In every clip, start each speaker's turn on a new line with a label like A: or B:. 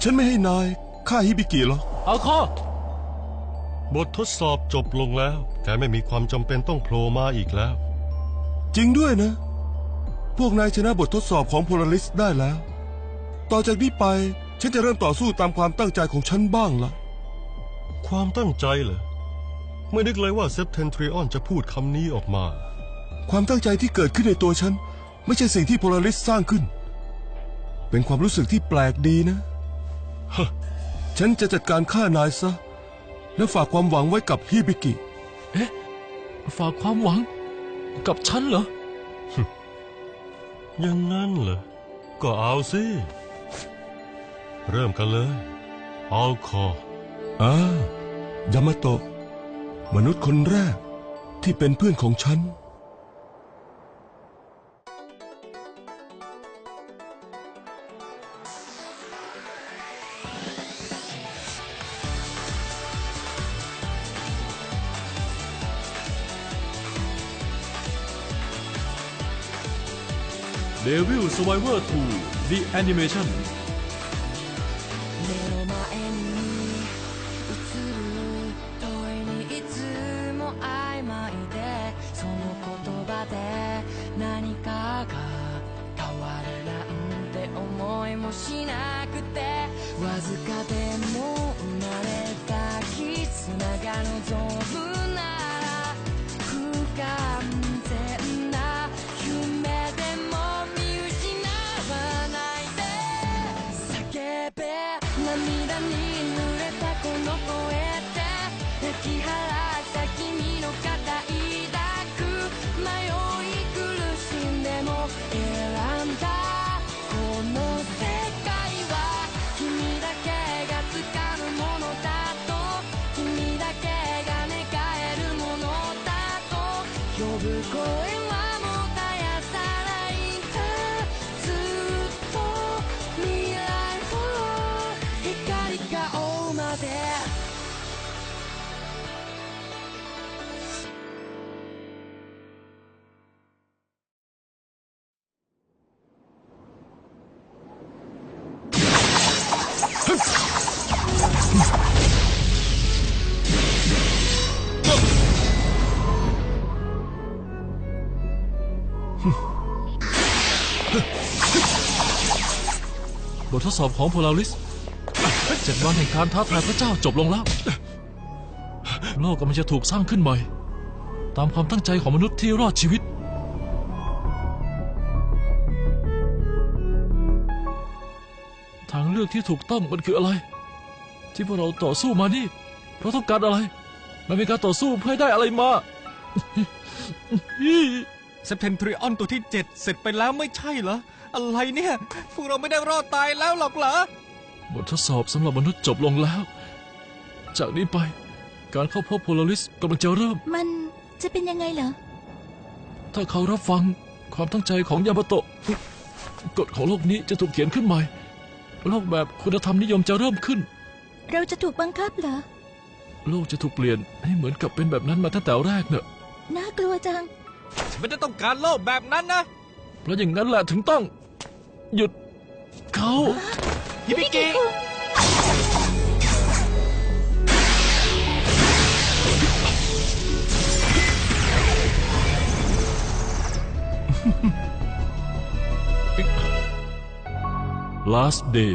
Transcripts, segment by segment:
A: ฉันไม่ให้นายฆ่าฮิบิกิหรอ
B: เอาข้
C: บททดสอบจบลงแล้วแกไม่มีความจำเป็นต้องโผล่มาอีกแล้ว
A: จริงด้วยนะพวกนายชนะบททดสอบของโพลาริสได้แล้วต่อจากนี้ไปฉันจะเริ่มต่อสู้ตามความตั้งใจของฉันบ้างละ
C: ความตั้งใจเหรอไม่นึกเลยว่าเซปเทนทริออนจะพูดคำนี้ออกมา
A: ความตั้งใจที่เกิดขึ้นในตัวฉันไม่ใช่สิ่งที่โพลาริสสร้างขึ้นเป็นความรู้สึกที่แปลกดีนะฉันจะจัดการฆ่านายซะแล้วฝากความหวังไว้กับฮิบิกิ
B: เอ๊ะฝากความหวังกับฉันเหรอ
C: อย่างนั้นเหรอก็เอาสิเริ่มกันเลยเอาค
A: อยามาโตะมนุษย์คนแรกที่เป็นเพื่อนของฉัน
B: Devil Survivor 2 The Animationบททดสอบของโพลาริส7 วันแห่งการท้าทายพระเจ้าจบลงแล้วโลกกำลังจะถูกสร้างขึ้นใหม่ตามความตั้งใจของมนุษย์ที่รอดชีวิตทางเลือกที่ถูกต้องมันคืออะไรที่พวกเราต่อสู้มานี่เราต้องการอะไรมันเป็นการต่อสู้เพื่อได้อะไรมา
D: เซปเทนทริออนตัวที่7เสร็จไปแล้วไม่ใช่เหรออะไรเนี่ยพวกเราไม่ได้รอดตายแล้วหรอกเหรอบ
B: ททดสอบสำหรับมนุษย์จบลงแล้วจากนี้ไปการเข้าพบโพลาริสกำลังจะเริ่ม
E: มันจะเป็นยังไงเหรอ
B: ถ้าเขารับฟังความตั้งใจของยามาโตะกฎของโลกนี้จะถูกเขียนขึ้นใหม่โลกแบบคุณธรรมนิยมจะเริ่มขึ้น
E: เราจะถูกบังคับเหรอ
B: โลกจะถูกเปลี่ยนให้เหมือนกับเป็นแบบนั้นมาตั้งแต่แรกเนอะ
E: น่ากลัวจัง
D: ฉันไม่ได้ต้องการโลกแบบนั้นนะ
B: เพราะอย่างนั้นแหละถึงต้องหยุดเขา
D: ฮิบิกิ
B: Last Day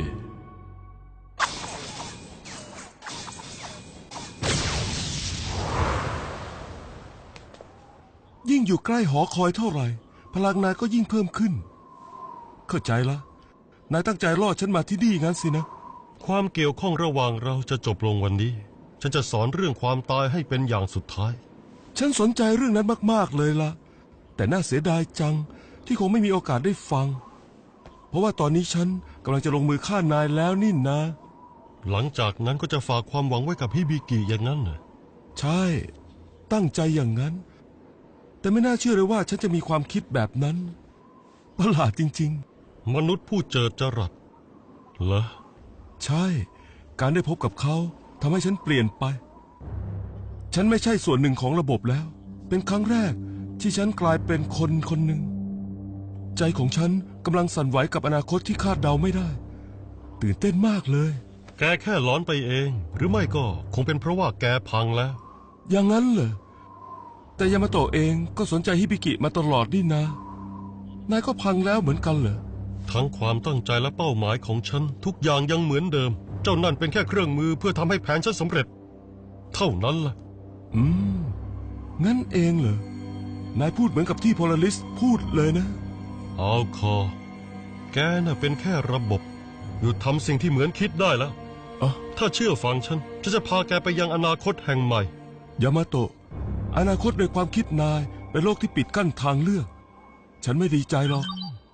A: ยิ่งอยู่ใกล้หอคอยเท่าไหร่พลังนายก็ยิ่งเพิ่มขึ้นเข้าใจละนายตั้งใจรอดฉันมาที่นี่งั้นสินะ
C: ความเกี่ยวข้องระหว่างเราจะจบลงวันนี้ฉันจะสอนเรื่องความตายให้เป็นอย่างสุดท้าย
A: ฉันสนใจเรื่องนั้นมากๆเลยล่ะแต่น่าเสียดายจังที่คงไม่มีโอกาสได้ฟังเพราะว่าตอนนี้ฉันกำลังจะลงมือฆ่านายแล้วนี่นะ
C: หลังจากนั้นก็จะฝากความหวังไว้กับฮิบิกิอย่างนั้นเหรอ
A: ใช่ตั้งใจอย่างนั้นแต่ไม่น่าเชื่อเลยว่าฉันจะมีความคิดแบบนั้นประหลาดจริง
C: ๆมนุษย์ผู้เจิดจรัสเหรอ
A: ใช่การได้พบกับเขาทำให้ฉันเปลี่ยนไปฉันไม่ใช่ส่วนหนึ่งของระบบแล้วเป็นครั้งแรกที่ฉันกลายเป็นคนคนหนึ่งใจของฉันกำลังสั่นไหวกับอนาคตที่คาดเดาไม่ได้ตื่นเต้นมากเลย
C: แกแค่ร้อนไปเอง หรือไม่ก็คงเป็นเพราะว่าแกพังแล้ว
A: อย่างนั้นเหรอ แต่ยามาโตะเองก็สนใจฮิบิกิมาตลอดนี่นะ นายก็พังแล้วเหมือนกันเหรอ
C: ทั้งความตั้งใจและเป้าหมายของฉันทุกอย่างยังเหมือนเดิม เจ้านั่นเป็นแค่เครื่องมือเพื่อทำให้แผนฉันสำเร็จ เท่านั้นล่ะ
A: อืม งั้นเองเหรอ นายพูดเหมือนกับที่โพลาริสพูดเลยนะ
C: เอาคอ แกน่ะเป็นแค่ระบบหยุดทำสิ่งที่เหมือนคิดได้แล้ว
A: อ๋อ
C: ถ้าเชื่อฟังฉันจะพาแกไปยังอนาคตแห่งใหม่
A: ยามาโตะ อนาคตในความคิดนายเป็นโลกที่ปิดกั้นทางเลือก ฉันไม่ดีใจหรอก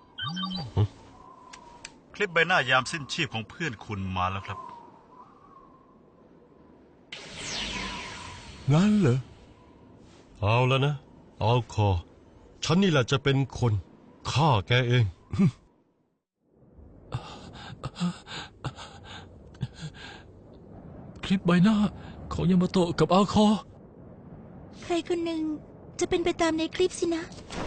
F: คลิปใบหน้ายามสิ้นชีพของเพื่อนคุณมาแล้วครับ
A: งั้นเหรอ
C: เอาแล้วนะ เอาคอ ฉันนี่แหละจะเป็นคนฆ่าแกเอง
B: คลิปใบหน้าของยามาโตะกับอาคอ
E: ใครคนหนึ่งจะเป็นไปตามในคลิปสินะ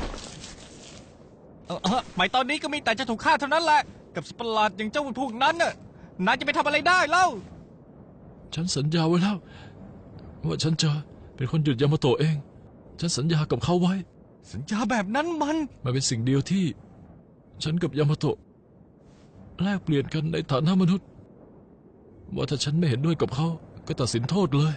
D: หมายตอนนี้ก็มีแต่จะถูกฆ่าเท่านั้นแหละ กับสัตว์ประหลาดอย่างเจ้าพวกนั้นน่ะนายจะไปทำอะไรได้เล่า
B: ฉันสัญญาไว้แล้ว ว่าฉันจะเป็นคนหยุดยามาโตะเอง ฉันสัญญากับเขาไว้
D: สัญญาแบบนั้นมัน
B: มันเป็นสิ่งเดียวที่ ฉันกับยามาโตะแลกเปลี่ยนกันในฐานะมนุษย์ ว่าถ้าฉันไม่เห็นด้วยกับเขาก็ตัดสินโทษเลย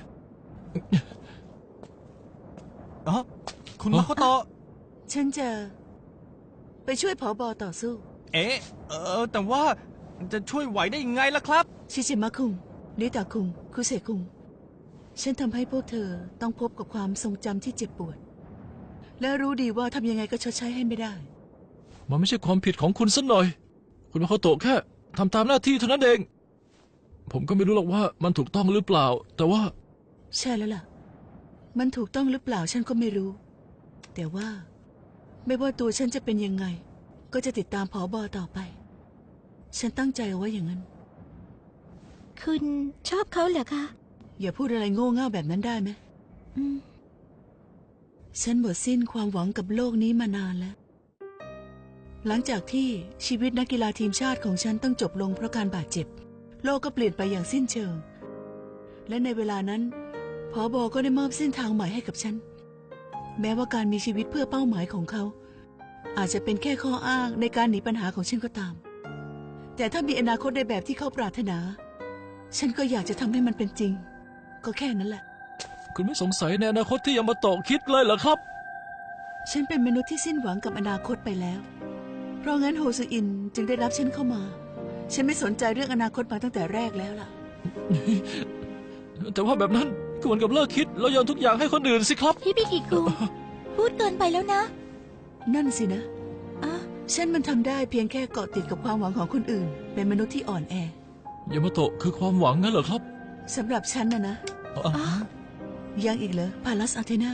D: คุณมาโคโตะ
G: ฉันจะไปช่วยผอบอต่อสู้
D: แต่ว่าจะช่วยไหวได้ยังไงล่ะครับ
G: ชิชิมะคุงริตาคุง คุเซคุง ฉันทำให้พวกเธอต้องพบกับความทรงจำที่เจ็บปวด และรู้ดีว่าทำยังไงก็ชดใช้ให้ไม่ได้
B: มันไม่ใช่ความผิดของคุณสักหน่อย คุณมาโคโตะแค่ทำตามหน้าที่เท่านั้นเอง ผมก็ไม่รู้หรอกว่ามันถูกต้องหรือเปล่า แต่ว่า
G: ใช่แล้วล่ะ มันถูกต้องหรือเปล่าฉันก็ไม่รู้ แต่ว่าไม่ว่าตัวฉันจะเป็นยังไง ก็จะติดตามผอบอต่อไป ฉันตั้งใจเอาไว้อย่างนั้น
E: คุณชอบเขาเหรอคะ
G: อย่าพูดอะไรโง่เง่าแบบนั้นได้ไหม
E: อืม
G: ฉันหมดสิ้นความหวังกับโลกนี้มานานแล้ว หลังจากที่ชีวิตนักกีฬาทีมชาติของฉันต้องจบลงเพราะการบาดเจ็บ โลกก็เปลี่ยนไปอย่างสิ้นเชิง และในเวลานั้นผอบอก็ได้มอบเส้นทางใหม่ให้กับฉัน แม้ว่าการมีชีวิตเพื่อเป้าหมายของเขา อาจจะเป็นแค่ข้ออ้างในการหนีปัญหาของฉันก็ตาม แต่ถ้ามีอนาคตในแบบที่เขาปรารถนา ฉันก็อยากจะทำให้มันเป็นจริง ก็แค่นั้นแหละ
B: คุณไม่สงสัยในอนาคตที่ยามาโตะคิดเลยเหรอครับ
G: ฉันเป็นมนุษย์ที่สิ้นหวังกับอนาคตไปแล้ว เพราะงั้นโฮซืออินจึงได้รับฉันเข้ามา ฉันไม่สนใจเรื่องอนาคตมาตั้งแต่แรกแล้วล่ะ
B: แต่ว่าแบบนั้นก็เหมือนกับเลิกคิดแล้วโยนทุกอย่างให้คนอื่นสิครับ
E: ฮิบิกิคุง พูดเกินไปแล้วนะ
G: นั่นสินะ
E: อ่ะ
G: ฉันมันทำได้เพียงแค่เกาะติดกับความหวังของคนอื่น เป็นมนุษย์ที่อ่อนแอ
B: ยามาโตะคือความหวังงั้นเหรอครับ
G: สำหรับฉันนะ
B: อ๋อ
G: ยังอีกเหรอพาลัสอาเทนา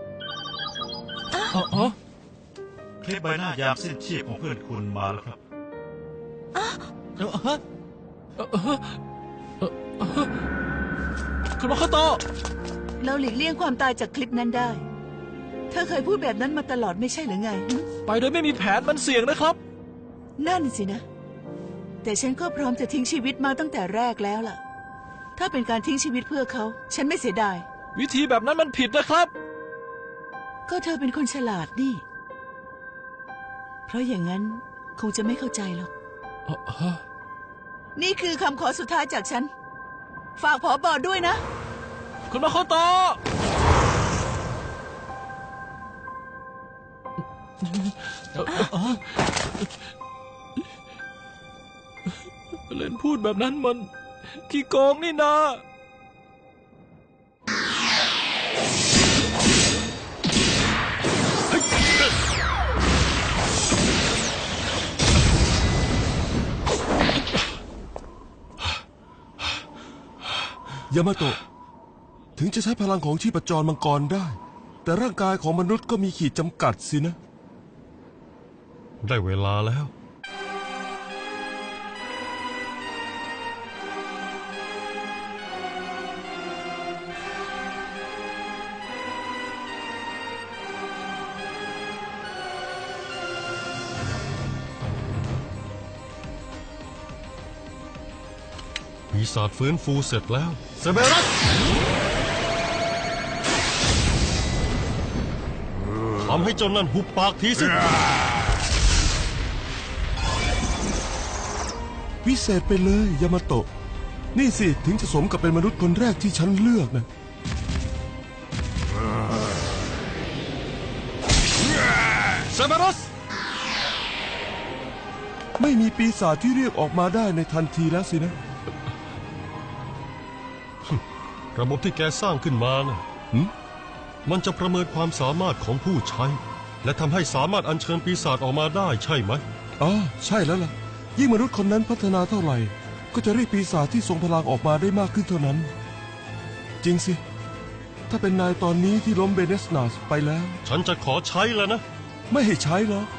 B: อ๋อ
F: คลิปใบหน้ายามสิ้นชีพของเพื่อนคุณมาแล้วครับ
B: คุณมาโคโตะ
G: เราหลีกเลี่ยงความตายจากคลิปนั้นได้ เธอเคยพูดแบบนั้นมาตลอดไม่ใช่หรือไงหึ
B: ไปโดยไม่มีแผนมันเสี่ยงนะครับ
G: นั่นสินะ แต่ฉันก็พร้อมจะทิ้งชีวิตมาตั้งแต่แรกแล้วล่ะ ถ้าเป็นการทิ้งชีวิตเพื่อเขา ฉันไม่เสียดาย
B: วิธีแบบนั้นมันผิดนะครับ
G: ก็เธอเป็นคนฉลาดนี่ เพราะอย่างนั้นคงจะไม่เข้าใจหรอก นี่คือคำขอสุดท้ายจากฉัน ฝากผอบอด้วยนะ
B: คุณมาโคโตะเล่นพูดแบบนั้นมันขี้โกงนี่นา
A: ยามาโตะ ถึงจะใช้พลังของชีพจรมังกรได้ แต่ร่างกายของมนุษย์ก็มีขีดจำกัดสินะ
C: ได้เวลาแล้วปีศาจฟื้นฟูเสร็จแล้วเซเบรัสทำให้เจ้านั่นหุบปากทีสิ
A: วิเศษไปเลยยามาโตะนี่สิถึงจะสมกับเป็นมนุษย์คนแรกที่ฉันเลือกนะ
C: เซเบรัส
A: ไม่มีปีศาจที่เรียกออกมาได้ในทันทีแล้วสินะ
C: ระบบที่แกสร้างขึ้นมานะมันจะประเมินความสามารถของผู้ใช้ และทำให้สามารถอัญเชิญปีศาจออกมาได้ใช่ไหม
A: อ๋อใช่แล้วล่ะยิ่งมนุษย์คนนั้นพัฒนาเท่าไหร่ก็จะเรียกปีศาจที่ทรงพลังออกมาได้มากขึ้นเท่านั้น จริงสิถ้าเป็นนายตอนนี้ที่ล้มเบเนสนาสไปแล้ว
C: ฉันจะขอใช้แล้วนะ
A: ไม่ให้ใช้หรอก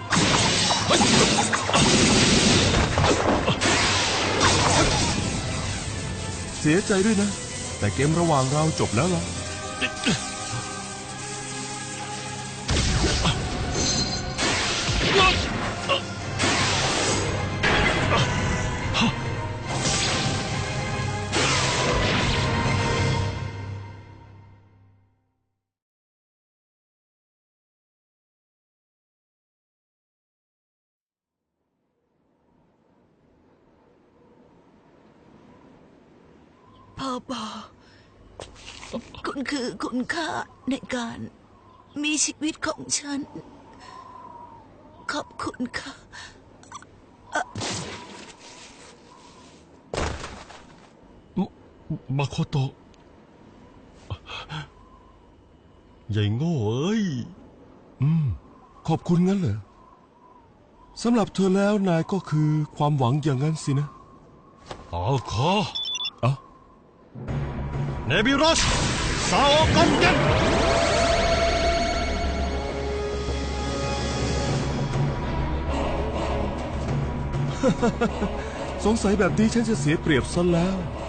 A: เสียใจด้วยนะแต่เกมระหว่างเราจบแล้วล่ะ
G: พ่อบอกคุณคือคุณค่าในการมีชีวิตของฉันขอบคุณค่ะ
C: มาโคโตะใหญ่โง่เอ้ย
A: ขอบคุณงั้นเหรอสำหรับเธอแล้วนายก็คือความหวังอย่างนั้นสินะ
C: เอาคอ
A: เอ้า
C: เนบิรัสซาโอกอนเกน
A: สงสัยแบบนี้ฉันจะเสียเปรียบซะแล้ว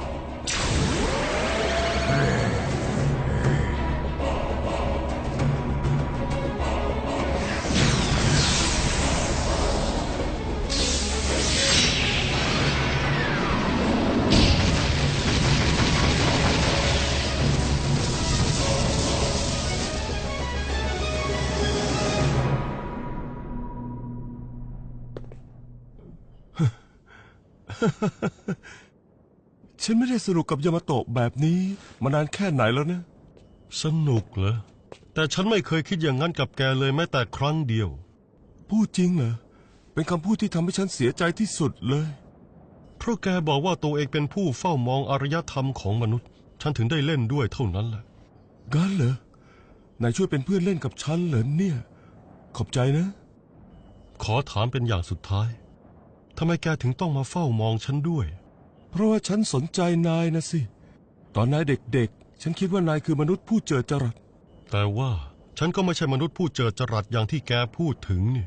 A: ฉันไม่ได้สนุกกับยามาโตะแบบนี้มานานแค่ไหนแล้วนะ
C: สนุกเหรอแต่ฉันไม่เคยคิดอย่างนั้นกับแกเลยแม้แต่ครั้งเดียว
A: พูดจริงเหรอเป็นคำพูดที่ทำให้ฉันเสียใจที่สุดเลย
C: เพราะแกบอกว่าตัวเองเป็นผู้เฝ้ามองอารยธรรมของมนุษย์ฉันถึงได้เล่นด้วยเท่านั้นแหละ
A: งั้นเหรอนายช่วยเป็นเพื่อนเล่นกับฉันเหรอเนี่ยขอบใจนะ
C: ขอถามเป็นอย่างสุดท้ายทำไมแกถึงต้องมาเฝ้ามองฉันด้วย
A: เพราะว่าฉันสนใจนายนะสิตอนนายเด็กๆฉันคิดว่านายคือมนุษย์ผู้เจิดจรัส
C: แต่ว่าฉันก็ไม่ใช่มนุษย์ผู้เจิดจรัสอย่างที่แกพูดถึงนี่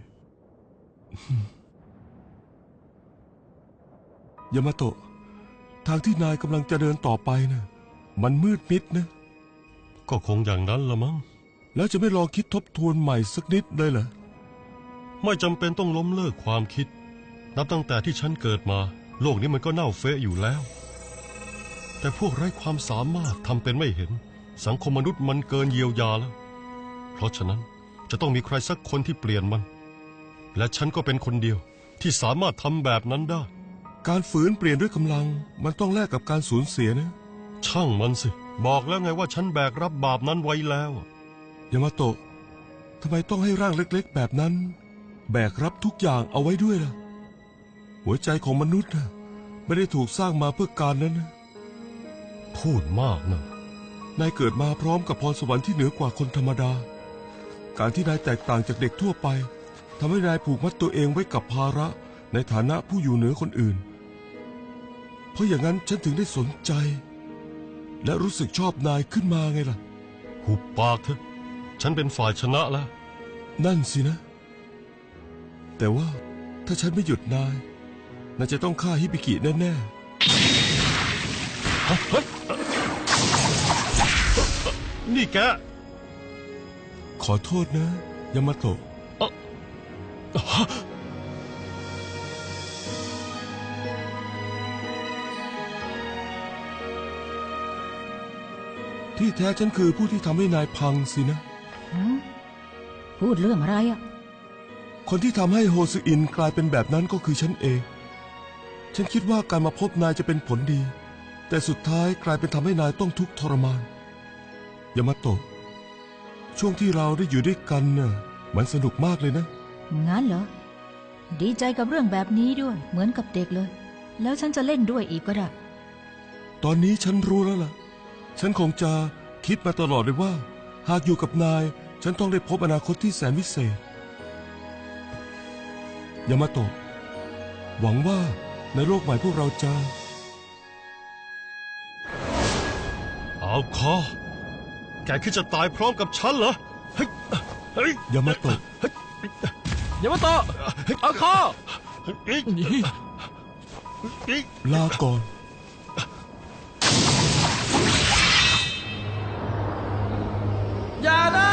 A: ยามาโตะทางที่นายกำลังจะเดินต่อไปนะมันมืดมิดนะ
C: ก็คงอย่างนั้นละมั้ง
A: แล้วจะไม่ลองคิดทบทวนใหม่สักนิดเลยเหรอ
C: ไม่จำเป็นต้องล้มเลิกความคิดนับตั้งแต่ที่ฉันเกิดมาโลกนี้มันก็เน่าเฟะอยู่แล้วแต่พวกไร้ความสามารถทำเป็นไม่เห็นสังคมมนุษย์มันเกินเยียวยาแล้วเพราะฉะนั้นจะต้องมีใครสักคนที่เปลี่ยนมันและฉันก็เป็นคนเดียวที่สามารถทำแบบนั้นได้
A: การฝืนเปลี่ยนด้วยกำลังมันต้องแลกกับการสูญเสียนะ
C: ช่างมันสิบอกแล้วไงว่าฉันแบกรับบาปนั้นไว้แล้ว
A: ยามาโตะทำไมต้องให้ร่างเล็กๆแบบนั้นแบกรับทุกอย่างเอาไว้ด้วยล่ะหัวใจของมนุษย์นะไม่ได้ถูกสร้างมาเพื่อการนั้นนะ
C: พูดมากนะ
A: นายเกิดมาพร้อมกับพรสวรรค์ที่เหนือกว่าคนธรรมดาการที่นายแตกต่างจากเด็กทั่วไปทำให้นายผูกมัดตัวเองไว้กับภาระในฐานะผู้อยู่เหนือคนอื่นเพราะอย่างนั้นฉันถึงได้สนใจและรู้สึกชอบนายขึ้นมาไงล่ะ
C: หุบปากเถอะฉันเป็นฝ่ายชนะแล้ว
A: นั่นสินะ แต่ว่าถ้าฉันไม่หยุดนายจะต้องฆ่าฮิบิกิแน่
C: ๆนี่แก
A: ขอโทษนะยามาโตะที่แท้ฉันคือผู้ที่ทำให้นายพังสินะ
H: พูดเรื่องอะไรอ่ะ
A: คนที่ทำให้โฮซืออินกลายเป็นแบบนั้นก็คือฉันเอง ฉันคิดว่าการมาพบนายจะเป็นผลดี แต่สุดท้ายกลายเป็นทำให้นายต้องทุกข์ทรมานยามาโตะช่วงที่เราได้อยู่ด้วยกันน่ะมันสนุกมากเลยนะ
H: งั้นเหรอ ดีใจกับเรื่องแบบนี้ด้วย เหมือนกับเด็กเลย แล้วฉันจะเล่นด้วยอีกก็ได้
A: ตอนนี้ฉันรู้แล้วล่ะ ฉันคงจะคิดมาตลอดเลยว่า หากอยู่กับนายฉันต้องได้พบอนาคตที่แสนวิเศษยามาโตะหวังว่าในโลกใหม่พวกเราจะ
C: เอาคอแกคิดจะตายพร้อมกับฉันเหรอเฮ้ยเฮ้ย
A: ยามาโตะ
B: อย่ามาต่อเอาคอ
C: เฮ้ย
B: นี่
C: เฮ้ย
A: ลาก่อน
B: อย่านะ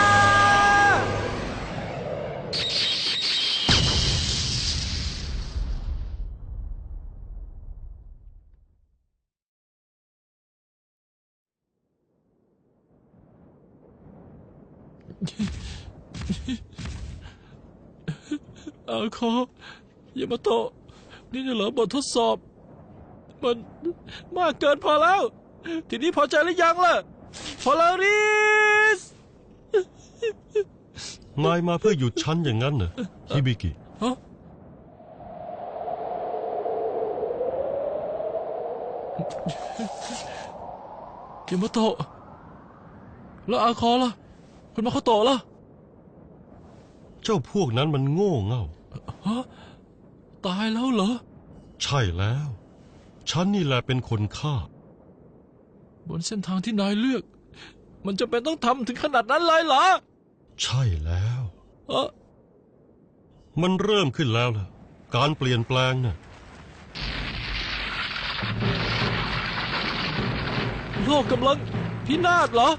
B: เอาคออย่ามาโตะนี่เหรอบททดสอบ มันมากเกินพอแล้ว ทีนี้พอใจหรือยังล่ะพอลาริส
C: นายมาเพื่อหยุดฉันอย่างนั้นเหรอฮิบิกิ
B: ฮะอย่ามาโตะแล้วอาคอล่ะคุณมาโคโตะล่ะ
C: เจ้าพวกนั้นมันโง่เง่า
B: ฮะตายแล้วเหรอ
C: ใช่แล้ว ฉันนี่แหละเป็นคนฆ่า
B: บนเส้นทางที่นายเลือก มันจะเป็นต้องทำถึงขนาดนั้นเลยเหรอ
C: ใช่แล้ว
B: เออ
C: มันเริ่มขึ้นแล้วล่ะ การเปลี่ยนแปลงน่ะ
B: โลกกำลังพินาศเหรอ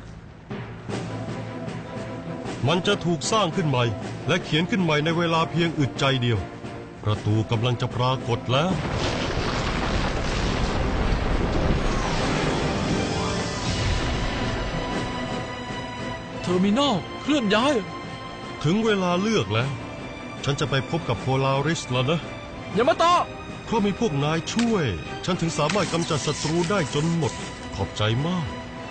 C: มันจะถูกสร้างขึ้นใหม่ และเขียนขึ้นใหม่ในเวลาเพียงอึดใจเดียว ประตูกำลังจะปรากฏแล้ว
B: เทอร์มินอลเคลื่อนย้าย
C: ถึงเวลาเลือกแล้ว ฉันจะไปพบกับโพลาริสแล้วนะ
B: อย่ามาต่อ
C: เพราะมีพวกนายช่วย ฉันถึงสามารถกำจัดศัตรูได้จนหมด ขอบใจมาก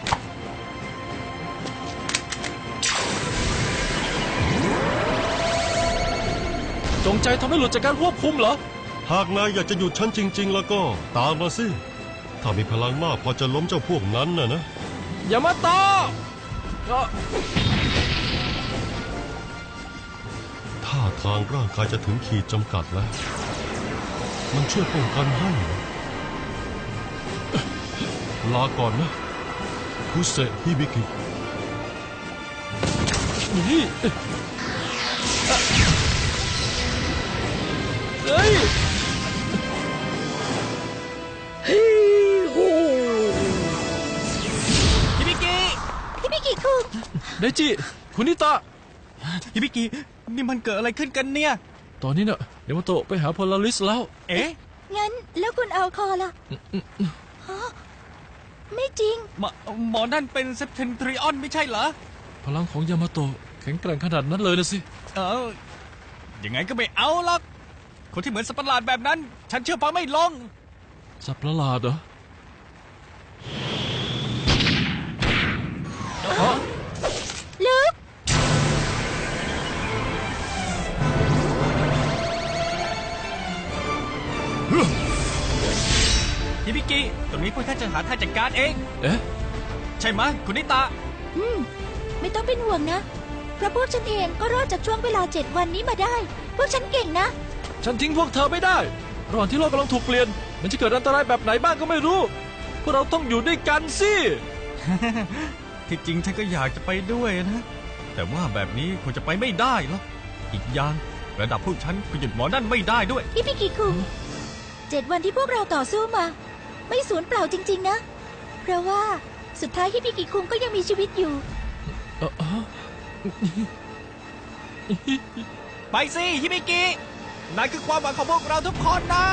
B: จงใจทำให้หลุดจากการควบคุมเหรอ
C: หากนายอยากจะหยุดฉันจริง ๆ แล้วก็ตามมาสิ ถ้ามีพลังมากพอจะล้มเจ้าพวกนั้นนะ
B: อย่ามาต่อเอ่อ
C: ท่าทางร่างกายจะถึงขีดจำกัดแล้ว มันช่วยป้องกันให้เหรอลาก่อนนะคุเซฮิบิกิ
B: นี่เฮ้ย
D: ฮิบิกิ
E: พี่มิกิคุง
B: เดจิคุณนิตะ
D: ฮิบิกินี่มันเกิดอะไรขึ้นกันเนี่ย
B: ตอนนี้เนี่ยเดมาโตะไปหาโพลาริสแล้ว
D: เอ๊ะ
E: งั้นแล้วคุณเอาคอล่ะฮะไม่จริง
D: หมอนั่นเป็นเซปเทนทริออนไม่ใช่เหรอ
B: พลังของยามาโตะแข็งแกร่งขนาดนั้นเลยนะสิ
D: ยังไงก็ไม่เอาหรอก คนที่เหมือนสัตว์ประหลาดแบบนั้น ฉันเชื่อฟังไม่ลง
B: สัตว์ประหลาดเหรอ
E: ลึก
D: ฮิบิกิ ตรงนี้พวกท่านจะหาทางจัดการเอง
B: เอ๊ะ
D: ใช่ไหมยคุณนิตะ
E: ไม่ต้องเป็นห่วงนะ เพราะพวกฉันเองก็รอดจากช่วงเวลา7 วันนี้มาได้ พวกฉันเก่งนะ
B: ฉันทิ้งพวกเธอไม่ได้ระหว่างที่โลกกำลังถูกเปลี่ยน มันจะเกิดอันตรายแบบไหนบ้างก็ไม่รู้ พวกเราต้องอยู่ด้วยกันสิ
D: ที่จริงฉันก็อยากจะไปด้วยนะ แต่ว่าแบบนี้คงจะไปไม่ได้หรอกอีกอย่างระดับพวกฉันก็หยุดหมอนั่นไม่ได้ด้วย
E: พี่มิกิคุง7 วันที่พวกเราต่อสู้มา ไม่สูญเปล่าจริงๆนะ เพราะว่าสุดท้ายฮิบิกิคุงก็ยังมีชีวิตอยู่
D: ไปสิฮิบิกินั่นคือความหวังของพวกเราทุกคนนะ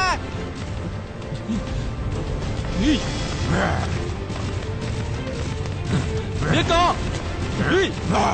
B: นี่เดี๋ยวก่อนเฮ้ย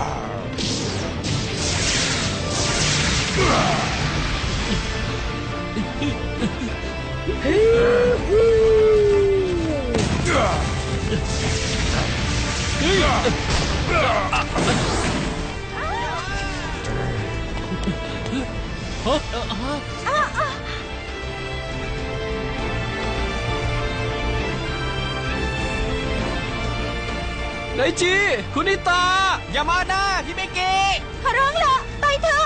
B: ไดจิคุณนิตาอย่ามานะฮิเมเกะ
E: ขอร้องละไปเถอะ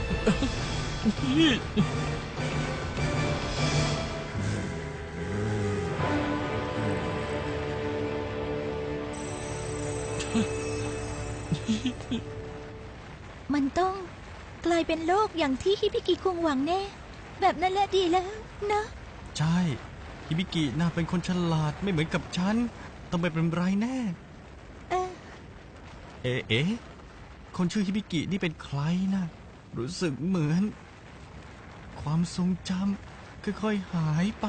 E: มันต้องกลายเป็นโลกอย่างที่ฮิบิกิคุงหวังแน่ แบบนั้นแหละดีแล้วนะ
D: ใช่ฮิบิกิน่าเป็นคนฉลาดไม่เหมือนกับฉันต้องไม่เป็นไรแน่
E: เออ
D: เอ๊ะคนชื่อฮิบิกินี่เป็นใครนะรู้สึกเหมือน ความทรงจำค่อยๆหายไป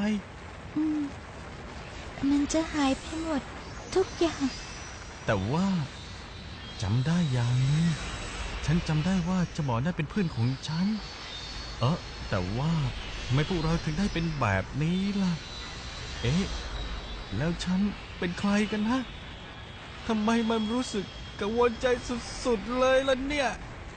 E: มันจะหายไปหมดทุกอย่าง
D: แต่ว่าจำได้อย่างหนึงฉันจำได้ว่าเจ้าหมอนั่นเป็นเพื่อนของฉันแต่ว่าทำไมพวกเราถึงได้เป็นแบบนี้ล่ะ เอ๊ะแล้วฉันเป็นใครกันนะทำไมมันรู้สึกกังวลใจสุดๆเลยล่ะเนี่ย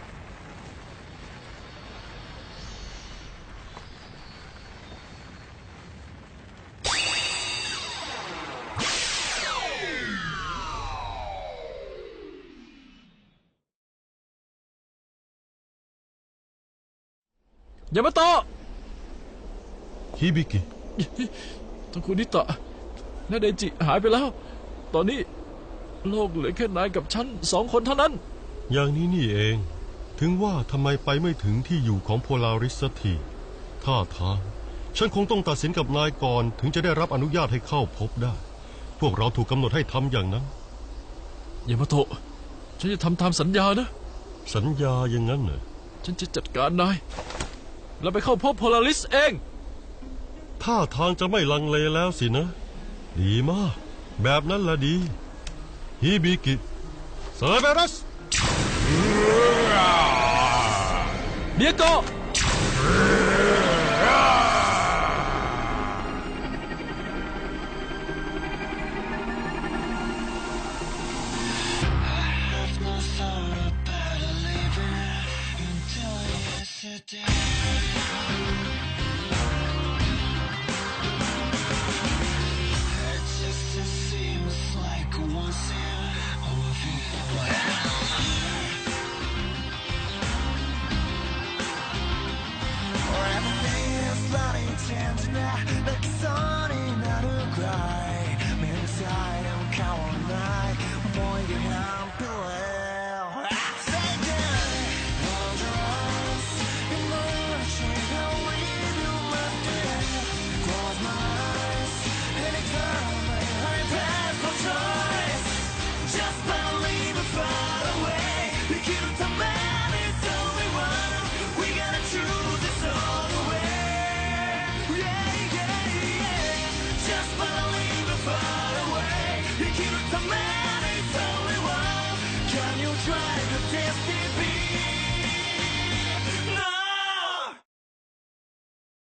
B: ยามาโตะ
C: ฮิบิกิ
B: ทั้งคุณนิตะและไดจิหายไปแล้ว ตอนนี้โลกเหลือแค่นายกับฉัน2 คนเท่านั้น
C: อย่างนี้นี่เอง ถึงว่าทำไมไปไม่ถึงที่อยู่ของโพลาริสสักทีท่าทางฉันคงต้องตัดสินกับนายก่อนถึงจะได้รับอนุญาตให้เข้าพบได้ พวกเราถูกกำหนดให้ทำอย่างนั้น
B: ยามาโตะฉันจะทำตามสัญญานะ
C: สัญญาอย่างนั้นเหรอ
B: ฉันจะจัดการนายแล้วไปเข้าพบโพลาริสเอง
C: ท่าทางจะไม่ลังเลแล้วสินะ ดีมาก แบบนั้นละดีฮิบิกิเซอร์เบรัส
B: เดียโก
I: Everything is bloody tender, like so